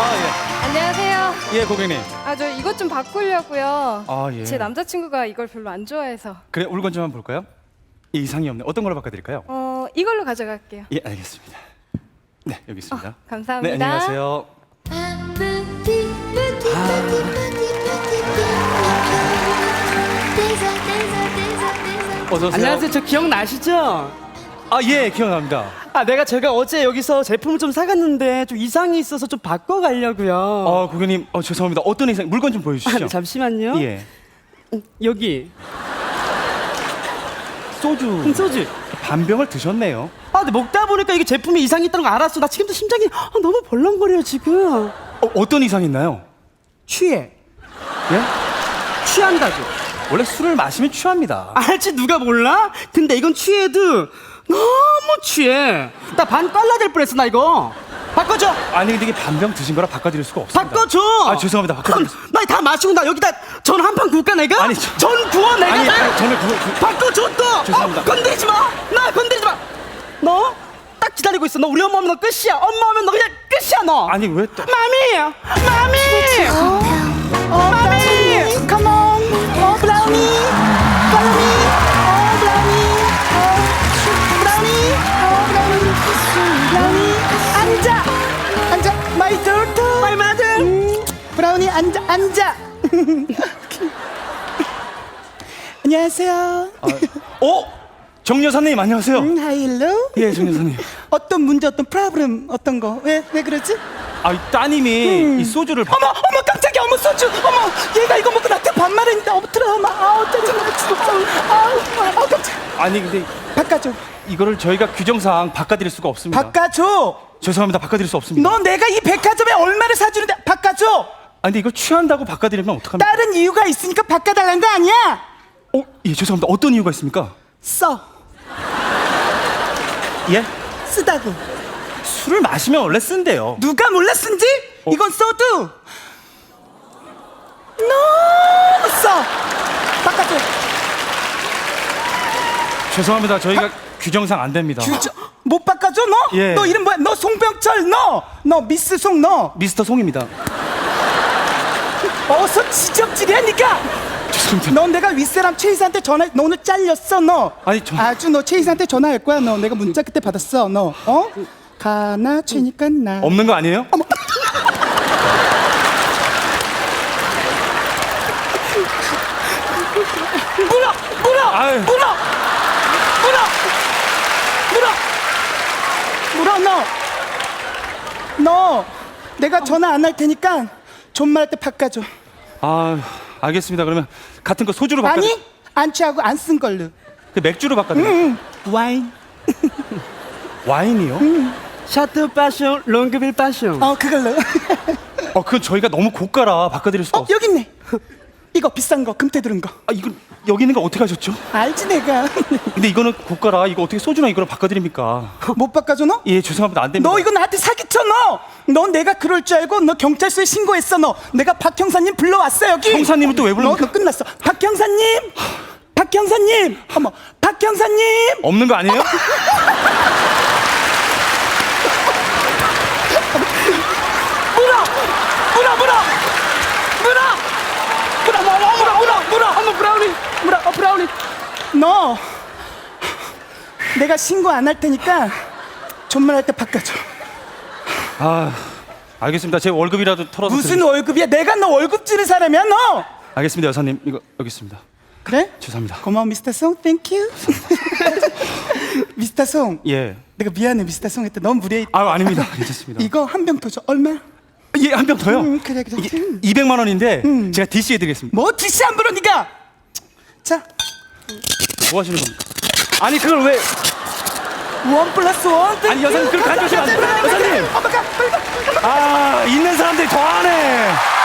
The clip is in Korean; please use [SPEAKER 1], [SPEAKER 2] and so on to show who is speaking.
[SPEAKER 1] 안녕하세요.
[SPEAKER 2] 예, 고객님.
[SPEAKER 1] 저 이것 좀 바꾸려고요.
[SPEAKER 2] 예.
[SPEAKER 1] 제 남자친구가 이걸 별로 안 좋아해서.
[SPEAKER 2] 그래, 물건 좀 한번 볼까요? 이상이 없네. 어떤 걸로 바꿔드릴까요?
[SPEAKER 1] 이걸로 가져갈게요.
[SPEAKER 2] 예, 알겠습니다. 네, 여기 있습니다.
[SPEAKER 1] 감사합니다.
[SPEAKER 2] 네, 안녕하세요. 어서 오세요.
[SPEAKER 3] 안녕하세요. 저 기억나시죠?
[SPEAKER 2] 예, 기억납니다.
[SPEAKER 3] 제가 어제 여기서 제품을 좀 사갔는데 좀 이상이 있어서 좀 바꿔가려고요.
[SPEAKER 2] 고객님, 죄송합니다. 어떤 이상 물건 좀 보여주시죠.
[SPEAKER 3] 잠시만요.
[SPEAKER 2] 예.
[SPEAKER 3] 여기
[SPEAKER 2] 소주
[SPEAKER 3] 소주.
[SPEAKER 2] 반병을 드셨네요.
[SPEAKER 3] 근데 먹다 보니까 이게 제품에 이상이 있다는 거 알았어. 나 지금도 심장이 너무 벌렁거려요 지금.
[SPEAKER 2] 어떤 이상 있나요?
[SPEAKER 3] 취해.
[SPEAKER 2] 예?
[SPEAKER 3] 취한다고.
[SPEAKER 2] 원래 술을 마시면 취합니다.
[SPEAKER 3] 알지 누가 몰라? 근데 이건 취해도 너무 취해. 나 반 깔라 될 뻔했어 나 이거. 바꿔줘.
[SPEAKER 2] 아니, 근데 이게 반병 드신 거라 바꿔드릴 수가 없습니다.
[SPEAKER 3] 바꿔줘.
[SPEAKER 2] 죄송합니다. 바꿔드릴게요.
[SPEAKER 3] 나 다 마시고 나 여기다 전 한 판 구울까 내가?
[SPEAKER 2] 아니,
[SPEAKER 3] 전 구워 내가.
[SPEAKER 2] 아니, 전에
[SPEAKER 3] 바꿔줘 또.
[SPEAKER 2] 죄송합니다.
[SPEAKER 3] 건드리지 마. 나 건드리지 마. 너 딱 기다리고 있어. 너 우리 엄마 오면 너 끝이야. 엄마 오면 너 그냥 끝이야 너.
[SPEAKER 2] 아니, 왜 또?
[SPEAKER 3] 마미. 마미. Come on. 브라우니. 브라우니. 브라우니. 앉아. My daughter. My mother. 브라우니 앉아. 안녕하세요.
[SPEAKER 2] 정 여사님, 안녕하세요.
[SPEAKER 3] 하일로.
[SPEAKER 2] 예, 정 여사님.
[SPEAKER 3] 어떤 문제, 어떤 프로블em, 어떤 거? 왜 그러지?
[SPEAKER 2] 이 따님이 이 소주를
[SPEAKER 3] 어머 깜짝이야. 어머 소주. 어머 얘가 이거 먹고 나한테 반말했는데 엎드려. 짜증나 죽었어. 깜짝.
[SPEAKER 2] 아니, 근데
[SPEAKER 3] 바꿔줘.
[SPEAKER 2] 이거를 저희가 규정상 바꿔드릴 수가 없습니다.
[SPEAKER 3] 바꿔줘.
[SPEAKER 2] 죄송합니다. 바꿔드릴 수 없습니다.
[SPEAKER 3] 너 내가 이 백화점에 얼마를 사주는데 바꿔줘.
[SPEAKER 2] 아니, 근데 이거 취한다고 바꿔드리면 어떡합니까?
[SPEAKER 3] 다른 이유가 있으니까 바꿔달라는 거 아니야?
[SPEAKER 2] 예, 죄송합니다. 어떤 이유가 있습니까?
[SPEAKER 3] 써.
[SPEAKER 2] 예?
[SPEAKER 3] 쓰다고.
[SPEAKER 2] 술을 마시면 원래 쓴대요.
[SPEAKER 3] 누가 몰라 쓴지? 이건 써도 너무 써. 바꿔줘.
[SPEAKER 2] 죄송합니다. 저희가 규정상 안 됩니다.
[SPEAKER 3] 못 바꿔줘 너?
[SPEAKER 2] 예.
[SPEAKER 3] 너 이름 뭐야? 너 송병철 너 미스 송 너.
[SPEAKER 2] 미스터 송입니다.
[SPEAKER 3] 어서 지적질이하니까.
[SPEAKER 2] 죄송합니다.
[SPEAKER 3] 넌 내가 윗사람 최 이사한테 전화. 너 오늘 잘렸어 너.
[SPEAKER 2] 아니,
[SPEAKER 3] 아주 너 최 이사한테 전화할 거야 너. 내가 문자 그때 받았어 너. 가나 최니까 나.
[SPEAKER 2] 없는 거 아니에요?
[SPEAKER 3] 물어 너. 내가 전화 안 할 테니까 존말할 때 바꿔줘.
[SPEAKER 2] 알겠습니다. 그러면 같은 거 소주로 바꿔.
[SPEAKER 3] 아니 안 취하고 안 쓴 걸로.
[SPEAKER 2] 그 맥주로 바꿔드릴게요.
[SPEAKER 3] 와인.
[SPEAKER 2] 와인이요?
[SPEAKER 3] 샤트 파숑 롱그빌 파숑. 그걸로.
[SPEAKER 2] 그건 저희가 너무 고가라 바꿔드릴 수가 없어요.
[SPEAKER 3] 여기 있네. 이거 비싼 거 금태 들은 거.
[SPEAKER 2] 이거 여기 있는 거 어떻게 하셨죠?
[SPEAKER 3] 알지 내가.
[SPEAKER 2] 근데 이거는 고가라. 이거 어떻게 소주랑 이거를 바꿔드립니까?
[SPEAKER 3] 못 바꿔줘 너?
[SPEAKER 2] 예, 죄송합니다. 안 됩니다.
[SPEAKER 3] 너 이거 나한테 사기쳐 너. 너 내가 그럴 줄 알고 너 경찰서에 신고했어 너. 내가 박 형사님 불러왔어 여기.
[SPEAKER 2] 형사님은 또 왜 부릅니까?
[SPEAKER 3] 너 끝났어. 박 형사님. 어머 박 형사님.
[SPEAKER 2] 없는 거 아니에요?
[SPEAKER 3] 브라우니. 너 내가 신고 안 할 테니까 존말할 때 바꿔줘.
[SPEAKER 2] 알겠습니다. 제 월급이라도 털어서
[SPEAKER 3] 무슨 월급이야? 내가 너 월급 주는 사람이야 너.
[SPEAKER 2] 알겠습니다, 여사님. 이거 여기 있습니다.
[SPEAKER 3] 그래?
[SPEAKER 2] 죄송합니다.
[SPEAKER 3] 고마워 미스터 송. 땡큐. 미스터 송.
[SPEAKER 2] 예.
[SPEAKER 3] 내가 미안해 미스터 송 했다. 너무 무례해.
[SPEAKER 2] 아닙니다. 괜찮습니다.
[SPEAKER 3] 이거 한 병 더 줘. 얼마?
[SPEAKER 2] 예, 한 병 더요?
[SPEAKER 3] 그래.
[SPEAKER 2] 이게 200만 원인데 제가 DC 해드리겠습니다.
[SPEAKER 3] 뭐 DC 안 불어 니가? 자,
[SPEAKER 2] 뭐 하시는 겁니까? 아니, 그걸 왜?
[SPEAKER 3] 1+1.
[SPEAKER 2] 아니, 여사님, 그걸 가져오시면 안 돼요. 여사님.
[SPEAKER 3] 엄마가 빨리 가.
[SPEAKER 2] 있는 사람들이 더 하네.